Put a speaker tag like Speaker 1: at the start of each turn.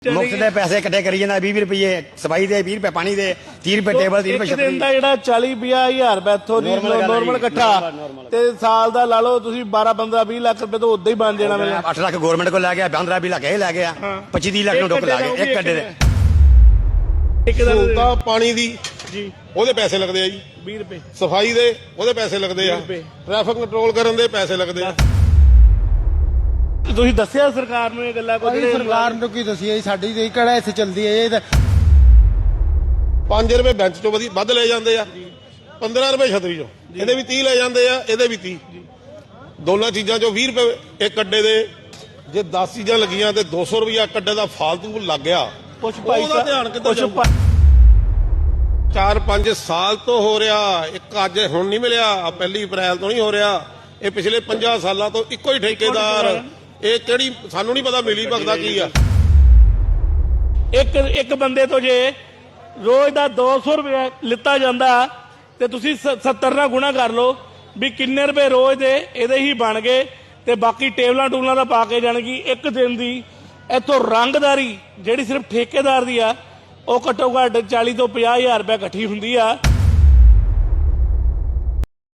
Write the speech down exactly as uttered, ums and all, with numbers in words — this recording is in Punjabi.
Speaker 1: ਮੁਫਤ ਦੇ ਪੈਸੇ ਇਕੱਠੇ ਕਰੀ ਜਾਂਦਾ ਵੀਹ ਰੁਪਏ ਸਫਾਈ ਦੇ ਵੀਹ ਰੁਪਏ ਪਾਣੀ ਦੇ ਤੀਹ ਰੁਪਏ ਟੇਬਲ ਤੀਹ ਰੁਪਏ
Speaker 2: ਇੱਕ ਦਿਨ ਦਾ ਜਿਹੜਾ ਚਾਲੀ ਪੰਜਾਹ ਹਜ਼ਾਰ ਰੁਪਏ ਇੱਥੋਂ ਦੀ ਨੋਰਮਲ ਇਕੱਠਾ ਤੇ ਸਾਲ ਦਾ ਲਾ ਲਓ ਤੁਸੀਂ ਬਾਰਾਂ ਪੰਦਰਾਂ ਵੀਹ ਲੱਖ ਰੁਪਏ ਤਾਂ ਉਦਾਂ ਹੀ ਬਣ ਜਾਣਾ ਮੇਰੇ
Speaker 1: ਅੱਠ ਲੱਖ ਗਵਰਨਮੈਂਟ ਕੋਲ ਲੈ ਗਿਆ ਪੰਦਰਾਂ ਵੀਹ ਲੱਖ ਇਹ ਲੈ ਗਿਆ ਪੱਚੀ ਤੀਹ ਲੱਖ ਨੂੰ ਡੁੱਕ ਲਾ ਗਿਆ ਇੱਕ ਅੱਡੇ ਦੇ
Speaker 2: ਇੱਕ ਦਿਨ
Speaker 3: ਦਾ ਪਾਣੀ ਦੀ
Speaker 2: ਜੀ
Speaker 3: ਉਹਦੇ ਪੈਸੇ ਲੱਗਦੇ ਆ ਜੀ
Speaker 2: ਵੀਹ ਰੁਪਏ
Speaker 3: ਸਫਾਈ ਦੇ ਉਹਦੇ ਪੈਸੇ ਲੱਗਦੇ ਆ ਟ੍ਰੈਫਿਕ ਕੰਟਰੋਲ ਕਰਨ ਦੇ ਪੈਸੇ ਲੱਗਦੇ ਆ।
Speaker 2: ਤੁਸੀਂ ਦੱਸਿਆ ਸਰਕਾਰ ਨੂੰ ਇਹ ਗੱਲਾਂ ਕੋਈ
Speaker 4: ਅਸੀਂ ਸਰਕਾਰ ਨੂੰ ਕੀ ਦੱਸੀਏ ਜੀ, ਸਾਡੀ ਤੇ ਕਿਹੜਾ ਇੱਥੇ ਚੱਲਦੀ ਹੈ ਇਹ ਤਾਂ
Speaker 3: ਪੰਜ ਰੁਪਏ ਬੈਂਚ ਚੋਂ ਵਧੀ ਵੱਧ ਲੈ ਜਾਂਦੇ ਆ ਪੰਦਰਾਂ ਰੁਪਏ ਛਤਰੀ ਚੋਂ ਇਹਦੇ ਵੀ ਤੀਹ ਲੈ ਜਾਂਦੇ ਆ ਇਹਦੇ ਵੀ ਤੀਹ ਦੋਨਾਂ ਚੀਜ਼ਾਂ ਚੋਂ ਵੀਹ ਰੁਪਏ ਇੱਕ ਅੱਡੇ ਦੇ ਜੇ ਦਸ ਚੀਜ਼ਾਂ ਲੱਗੀਆਂ ਤੇ ਦੋ ਸੌ ਰੁਪਇਆ ਅੱਡੇ ਦਾ ਫਾਲਤੂ ਲੱਗ ਗਿਆ
Speaker 2: ਕੁਛ ਭਾਈ
Speaker 3: ਉਹਦਾ ਧਿਆਨ ਕਿੱਧਰ
Speaker 2: ਕੁਛ
Speaker 3: ਜਾਊਗਾ? ਚਾਰ ਪੰਜ ਸਾਲ ਤੋਂ ਹੋ ਰਿਹਾ ਇੱਕ ਅੱਜ ਹੁਣ ਨਹੀਂ ਮਿਲਿਆ ਪਹਿਲੀ ਅਪ੍ਰੈਲ ਤੋਂ ਨਹੀਂ ਹੋ ਰਿਹਾ ਇਹ ਪਿਛਲੇ ਪੰਜਾਹ ਸਾਲਾਂ ਤੋਂ ਇੱਕੋ ਹੀ ਠੇਕੇਦਾਰ ਇਹ ਕਿਹੜੀ ਸਾਨੂੰ ਨਹੀਂ ਪਤਾ ਮਿਲੀ ਭਗਦਾ ਕੀ ਆ।
Speaker 2: ਇੱਕ ਇੱਕ ਬੰਦੇ ਤੋਂ ਜੇ ਰੋਜ਼ ਦਾ ਦੋ ਸੌ ਰੁਪਏ ਲਿੱਤਾ ਜਾਂਦਾ ਤੇ ਤੁਸੀਂ ਸੱਤਰ ਨਾਲ ਗੁਣਾ ਕਰ ਲਓ ਵੀ ਕਿੰਨੇ ਰੁਪਏ ਰੋਜ਼ ਦੇ ਇਹਦੇ ਹੀ ਬਣ ਗਏ ਤੇ ਬਾਕੀ ਟੇਬਲਾਂ ਟੂਲਾਂ ਦਾ ਪਾ ਕੇ ਜਾਣਗੀ ਇੱਕ ਦਿਨ ਦੀ ਇੱਥੋਂ ਰੰਗਦਾਰੀ ਜਿਹੜੀ ਸਿਰਫ ਠੇਕੇਦਾਰ ਦੀ ਆ ਉਹ ਘੱਟੋ ਘੱਟ ਚਾਲੀ ਤੋਂ ਪੰਜਾਹ ਹਜ਼ਾਰ ਰੁਪਏ ਇਕੱਠੀ ਹੁੰਦੀ ਆ।